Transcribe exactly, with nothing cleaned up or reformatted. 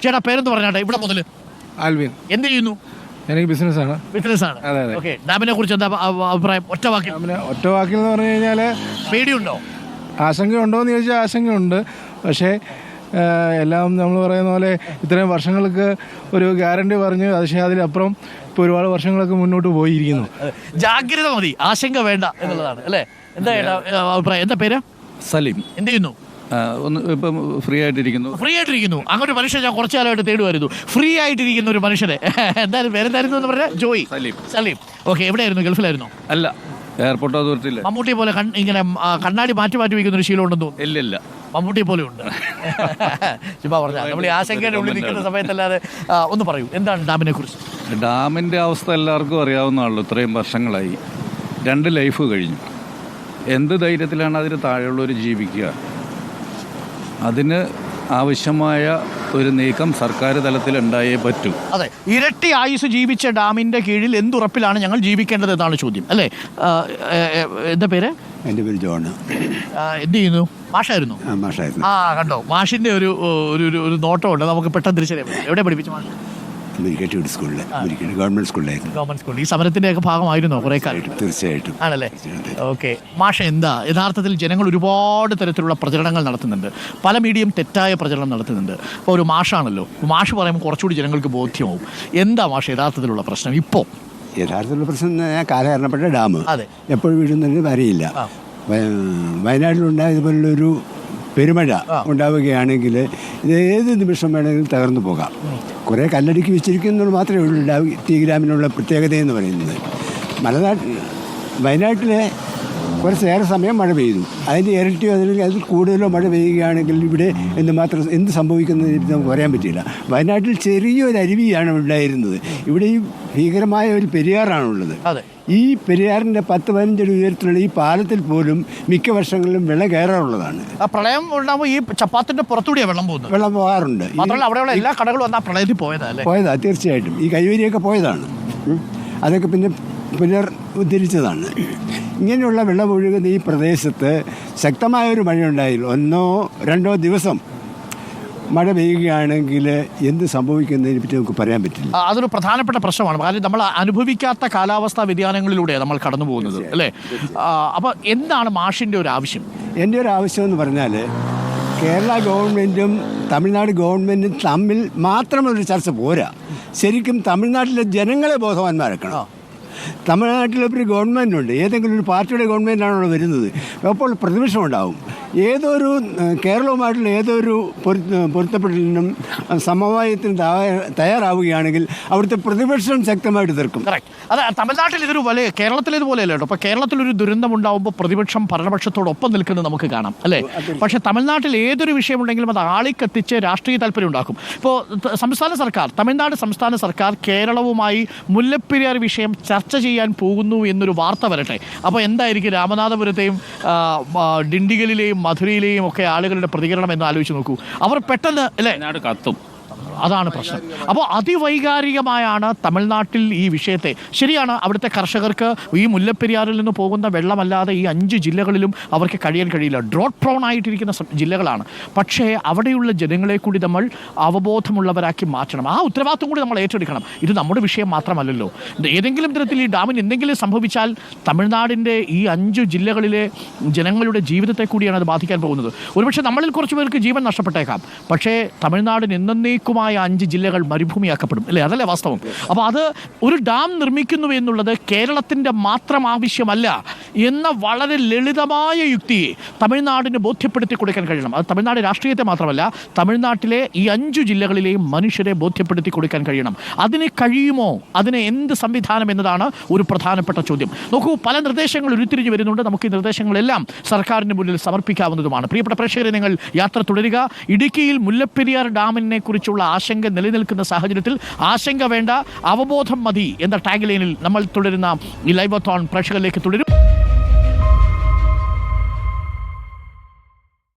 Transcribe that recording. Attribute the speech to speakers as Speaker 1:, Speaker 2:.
Speaker 1: ചേട്ടാ പേരെന്ന് പറഞ്ഞാട്ടെ ഇവിടെ മുതൽ?
Speaker 2: ആൽവിൻ.
Speaker 1: എന്ത് ചെയ്യുന്നു?
Speaker 2: എനിക്ക് ബിസിനസ്സാണ്.
Speaker 1: ബിസിനസ്സാണ്.
Speaker 2: അതെ അതെ.
Speaker 1: ഓക്കെ, ഡാമിനെ കുറിച്ച് എന്താ അഭിപ്രായം? ഒറ്റ വാക്കിൽ.
Speaker 2: ഡാമിനെ ഒറ്റ വാക്കിൽ എന്ന് പറഞ്ഞു കഴിഞ്ഞാൽ
Speaker 1: പേടിയുണ്ടോ?
Speaker 2: ആശങ്കയുണ്ടോ എന്ന് ചോദിച്ചാൽ ആശങ്കയുണ്ട്. പക്ഷേ എല്ലാം നമ്മൾ പറയുന്ന പോലെ ഇത്രയും വർഷങ്ങൾക്ക് ഒരു ഗ്യാരണ്ടി പറഞ്ഞ് പക്ഷേ അതിലപ്പുറം ഇപ്പോൾ ഒരുപാട് വർഷങ്ങളൊക്കെ മുന്നോട്ട് പോയിരിക്കുന്നു.
Speaker 1: ജാഗ്രത മതി, ആശങ്ക വേണ്ട എന്നുള്ളതാണ് അല്ലേ? എന്താ അഭിപ്രായം? എന്താ പേര്?
Speaker 3: സലീം.
Speaker 1: എന്ത് ചെയ്യുന്നു?
Speaker 3: ഒന്ന് ഇപ്പം ഫ്രീ ആയിട്ടിരിക്കുന്നു.
Speaker 1: ഫ്രീ ആയിട്ടിരിക്കുന്നു. അങ്ങനെ ഒരു മനുഷ്യൻ ഞാൻ കുറച്ചു കാലമായിട്ട് തേടുമായിരുന്നു, ഫ്രീ ആയിട്ടിരിക്കുന്ന ഒരു മനുഷ്യനെ. എന്തായാലും പേരെന്തായിരുന്നു എന്ന് പറഞ്ഞാൽ? ജോയി. സലീം. സലീം. ഓക്കെ, എവിടെയായിരുന്നു? ഗൾഫിലായിരുന്നു?
Speaker 3: അല്ല, എയർപോർട്ട് അതോറിറ്റിയില്ല.
Speaker 1: മമ്മൂട്ടിയെ പോലെ ഇങ്ങനെ കണ്ണാടി മാറ്റി മാറ്റി വയ്ക്കുന്ന ഒരു ശീലം ഉണ്ടെന്ന് തോന്നുന്നു.
Speaker 3: ഇല്ല ഇല്ല,
Speaker 1: മമ്മൂട്ടിയെ പോലെ ഉണ്ട്. ചുമ്മാ പറഞ്ഞാൽ നമ്മൾ ഈ ആശങ്കയുടെ ഉള്ളിൽ നിൽക്കുന്ന സമയത്തല്ലാതെ. ഒന്ന് പറയൂ, എന്താണ് ഡാമിനെ കുറിച്ച്?
Speaker 3: ഡാമിൻ്റെ അവസ്ഥ എല്ലാവർക്കും അറിയാവുന്നതാണല്ലോ. ഇത്രയും വർഷങ്ങളായി രണ്ട് ലൈഫ് കഴിഞ്ഞു. എന്ത് ധൈര്യത്തിലാണ് അതിന് താഴെയുള്ളവർ ജീവിക്കുക? അതിന് ആവശ്യമായ ഒരു നീക്കം സർക്കാർ തലത്തിൽ ഉണ്ടായേ പറ്റൂ.
Speaker 1: അതെ, ഇരട്ടി ആയുസ് ജീവിച്ച ഡാമിന്റെ കീഴിൽ എന്തുറപ്പിലാണ് ഞങ്ങൾ ജീവിക്കേണ്ടത് എന്നാണ് ചോദ്യം അല്ലേ? എന്താ പേര്?
Speaker 4: എൻ്റെ പേര് ജോൺ.
Speaker 1: എന്ത് ചെയ്യുന്നു? മാഷായിരുന്നു.
Speaker 4: മാഷായിരുന്നു.
Speaker 1: ആ കണ്ടോ, മാഷിന്റെ ഒരു ഒരു ഒരു നോട്ടമുണ്ട്, നമുക്ക് പെട്ടെന്ന് തിരിച്ചറിയാം. എവിടെ പഠിപ്പിച്ച മാഷ്?
Speaker 4: മുരിക്കാട്ട് സ്കൂളിൽ, മുരിക്കാട്ട് ഗവൺമെന്റ് സ്കൂളിലായിരുന്നു.
Speaker 1: ഗവൺമെന്റ് സ്കൂളിൽ. ഈ സമരത്തിന്റെ ഒക്കെ ഭാഗമായിരുന്നോ കുറെ കാലം?
Speaker 4: തീർച്ചയായിട്ടും ആണല്ലേ.
Speaker 1: ഓക്കെ, മാഷ എന്താ യഥാർത്ഥത്തിൽ ജനങ്ങൾ ഒരുപാട് തരത്തിലുള്ള പ്രചരണങ്ങൾ നടത്തുന്നുണ്ട്, പല മീഡിയയും തെറ്റായ പ്രചരണം നടത്തുന്നുണ്ട്. അപ്പോൾ ഒരു മാഷാണല്ലോ, മാഷ് പറയുമ്പോൾ കുറച്ചുകൂടി ജനങ്ങൾക്ക് ബോധ്യമാവും. എന്താ മാഷ യഥാർത്ഥത്തിലുള്ള പ്രശ്നം ഇപ്പോൾ?
Speaker 4: യഥാർത്ഥത്തിലുള്ള പ്രശ്നം കാലഹരണപ്പെട്ട ഡാം
Speaker 1: അതെ
Speaker 4: എപ്പോഴും വീഴുന്നതിന് അറിയില്ല. വയനാട്ടിലുണ്ടായതുപോലുള്ളൊരു പെരുമഴ ഉണ്ടാവുകയാണെങ്കിൽ ഇത് ഏത് നിമിഷം വേണമെങ്കിലും തകർന്നു പോകാം. കുറേ കല്ലടുക്കി വെച്ചിരിക്കുന്നത് മാത്രമേ ഉള്ളൂ ഡാം ടി ഗ്രാമിനുള്ള പ്രത്യേകതയെന്ന് പറയുന്നത്. മലനാട്ടിൽ വയനാട്ടിലെ കുറച്ചേറെ സമയം മഴ പെയ്തു, അതിൻ്റെ ഇരട്ടിയോ അല്ലെങ്കിൽ അതിൽ കൂടുതലോ മഴ പെയ്യുകയാണെങ്കിൽ ഇവിടെ എന്തുമാത്രം എന്ത് സംഭവിക്കുന്നത് നമുക്ക് പറയാൻ പറ്റില്ല. വയനാട്ടിൽ ചെറിയൊരു അരുവിയാണ് ഉണ്ടായിരുന്നത്, ഇവിടെ ഈ ഭീകരമായ ഒരു പെരിയാറാണുള്ളത്. ഈ പെരിയാറിൻ്റെ പത്ത് പതിനഞ്ചടി ഉയരത്തിലുള്ള ഈ പാലത്തിൽ പോലും മിക്ക വർഷങ്ങളിലും വെള്ളം കയറാറുള്ളതാണ്.
Speaker 1: പ്രളയം ഉണ്ടാകുമ്പോൾ ഈ ചപ്പാത്തിന്റെ പുറത്തൂടിയാണ് വെള്ളം പോകുന്നത്.
Speaker 4: വെള്ളം പോകാറുണ്ട്.
Speaker 1: മാത്രമല്ല അവിടെയുള്ള എല്ലാ കടകളും വന്നാൽ പ്രളയത്തിൽ പോയതല്ലേ?
Speaker 4: പോയതാ, തീർച്ചയായിട്ടും. ഈ കൈവരിയൊക്കെ പോയതാണ്, അതൊക്കെ പിന്നെ പുനർ ഉദ്ധരിച്ചതാണ്. ഇങ്ങനെയുള്ള വെള്ളം ഒഴുകുന്ന ഈ പ്രദേശത്ത് ശക്തമായൊരു മഴയുണ്ടായില്ല, ഒന്നോ രണ്ടോ ദിവസം മഴ പെയ്യുകയാണെങ്കിൽ എന്ത് സംഭവിക്കുന്നതിനെ പറ്റി നമുക്ക് പറയാൻ പറ്റില്ല.
Speaker 1: അതൊരു പ്രധാനപ്പെട്ട പ്രശ്നമാണ്. കാരണം നമ്മൾ അനുഭവിക്കാത്ത കാലാവസ്ഥാ വ്യതിയാനങ്ങളിലൂടെയാണ് നമ്മൾ കടന്നു പോകുന്നത് അല്ലേ? അപ്പോൾ എന്താണ് മാഷിൻ്റെ ഒരു ആവശ്യം?
Speaker 4: എൻ്റെ ഒരു ആവശ്യം എന്ന് പറഞ്ഞാൽ കേരള ഗവൺമെൻറ്റും തമിഴ്നാട് ഗവൺമെൻറ്റും തമ്മിൽ മാത്രമൊരു ചർച്ച പോരാ. ശരിക്കും തമിഴ്നാട്ടിലെ ജനങ്ങളെ ബോധവാന്മാരാക്കണം. തമിഴ്നാട്ടിലൊരു ഗവൺമെൻറ്റുണ്ട്, ഏതെങ്കിലും ഒരു പാർട്ടിയുടെ ഗവൺമെൻറ്റാണല്ലോ വരുന്നത്, അപ്പോൾ പ്രതിപക്ഷം ഉണ്ടാവും. ഏതൊരു കേരളവുമായിട്ടുള്ള ഏതൊരു പൊരുത്തപ്പെടലിനും സമവായത്തിനും തയ്യാറാവുകയാണെങ്കിൽ അവിടുത്തെ പ്രതിപക്ഷം ശക്തമായിട്ട് എതിർക്കും.
Speaker 1: അതെ, തമിഴ്നാട്ടിൽ ഇതൊരു വലിയ കേരളത്തിലേതുപോലെയല്ല കേട്ടോ. അപ്പോൾ കേരളത്തിലൊരു ദുരന്തം ഉണ്ടാകുമ്പോൾ പ്രതിപക്ഷം ഭരണപക്ഷത്തോടൊപ്പം നിൽക്കുന്നത് നമുക്ക് കാണാം അല്ലേ? പക്ഷേ തമിഴ്നാട്ടിൽ ഏതൊരു വിഷയമുണ്ടെങ്കിലും അത് ആളിക്കത്തിച്ച് രാഷ്ട്രീയ താല്പര്യം ഉണ്ടാക്കും. ഇപ്പോൾ സംസ്ഥാന സർക്കാർ, തമിഴ്നാട് സംസ്ഥാന സർക്കാർ കേരളവുമായി മുല്ലപ്പെരിയാർ വിഷയം ചർച്ച ചെയ്യാൻ പോകുന്നു എന്നൊരു വാർത്ത വരട്ടെ, അപ്പോൾ എന്തായിരിക്കും രാമനാഥപുരത്തെയും ഡിണ്ടിഗലിലെയും മധുരയിലെയും ഒക്കെ ആളുകളുടെ പ്രതികരണം എന്ന് ആലോചിച്ച് നോക്കൂ. അവർ പെട്ടെന്ന് അല്ലേ കത്തും. അതാണ് പ്രശ്നം. അപ്പോൾ അതിവൈകാരികമായാണ് തമിഴ്നാട്ടിൽ ഈ വിഷയത്തെ. ശരിയാണ്, അവിടുത്തെ കർഷകർക്ക് ഈ മുല്ലപ്പെരിയാറിൽ നിന്ന് പോകുന്ന വെള്ളമല്ലാതെ ഈ അഞ്ച് ജില്ലകളിലും അവർക്ക് കഴിയാൻ കഴിയില്ല. ഡ്രോട്ട് പ്രോൺ ആയിട്ടിരിക്കുന്ന ജില്ലകളാണ്. പക്ഷേ അവിടെയുള്ള ജനങ്ങളെ കൂടി നമ്മൾ അവബോധമുള്ളവരാക്കി മാറ്റണം. ആ ഉത്തരവാദിത്വം കൂടി നമ്മൾ ഏറ്റെടുക്കണം. ഇത് നമ്മുടെ വിഷയം മാത്രമല്ലല്ലോ. ഏതെങ്കിലും തരത്തിൽ ഈ ഡാമിന് എന്തെങ്കിലും സംഭവിച്ചാൽ തമിഴ്നാടിൻ്റെ ഈ അഞ്ച് ജില്ലകളിലെ ജനങ്ങളുടെ ജീവിതത്തെ കൂടിയാണ് അത് ബാധിക്കാൻ പോകുന്നത്. ഒരുപക്ഷെ നമ്മളിൽ കുറച്ച് പേർക്ക് ജീവൻ നഷ്ടപ്പെട്ടേക്കാം, പക്ഷേ തമിഴ്നാടിന് എന്നേക്കുമായി അഞ്ച് ജില്ലകൾ മരുഭൂമിയാക്കപ്പെടും അല്ലേ? അതല്ലേ വാസ്തവം? അപ്പോൾ അത് ഒരു ഡാം നിർമ്മിക്കുന്നു എന്നുള്ളത് കേരളത്തിൻ്റെ മാത്രം ആവശ്യമല്ല എന്ന വളരെ ലളിതമായ യുക്തിയെ തമിഴ്നാടിന് ബോധ്യപ്പെടുത്തി കൊടുക്കാൻ കഴിയണം. അത് തമിഴ്നാട് രാഷ്ട്രീയത്തെ മാത്രമല്ല, തമിഴ്നാട്ടിലെ ഈ അഞ്ചു ജില്ലകളിലെയും മനുഷ്യരെ ബോധ്യപ്പെടുത്തി കൊടുക്കാൻ കഴിയണം. അതിന് കഴിയുമോ? അതിന് എന്ത് സംവിധാനം എന്നതാണ് ഒരു പ്രധാനപ്പെട്ട ചോദ്യം. നോക്കൂ, പല നിർദ്ദേശങ്ങൾ ഉരുത്തിരിഞ്ഞ് വരുന്നുണ്ട്. നമുക്ക് ഈ നിർദ്ദേശങ്ങളെല്ലാം സർക്കാരിന് മുന്നിൽ സമർപ്പിക്കാവുന്നതുമാണ്. പ്രിയപ്പെട്ട പ്രേക്ഷകരെ, നിങ്ങൾ യാത്ര തുടരുക. ഇടുക്കിയിൽ മുല്ലപ്പെരിയാർ ഡാമിനെ കുറിച്ചുള്ള ആശങ്ക നിലനിൽക്കുന്ന സാഹചര്യത്തിൽ ആശങ്ക വേണ്ട, അവബോധം മതി എന്ന ടാഗ് ലൈനിൽ നമ്മൾ തുടരുന്ന ഈ ലൈവ് തോൺ പ്രേക്ഷകരിലേക്ക് തുടരും.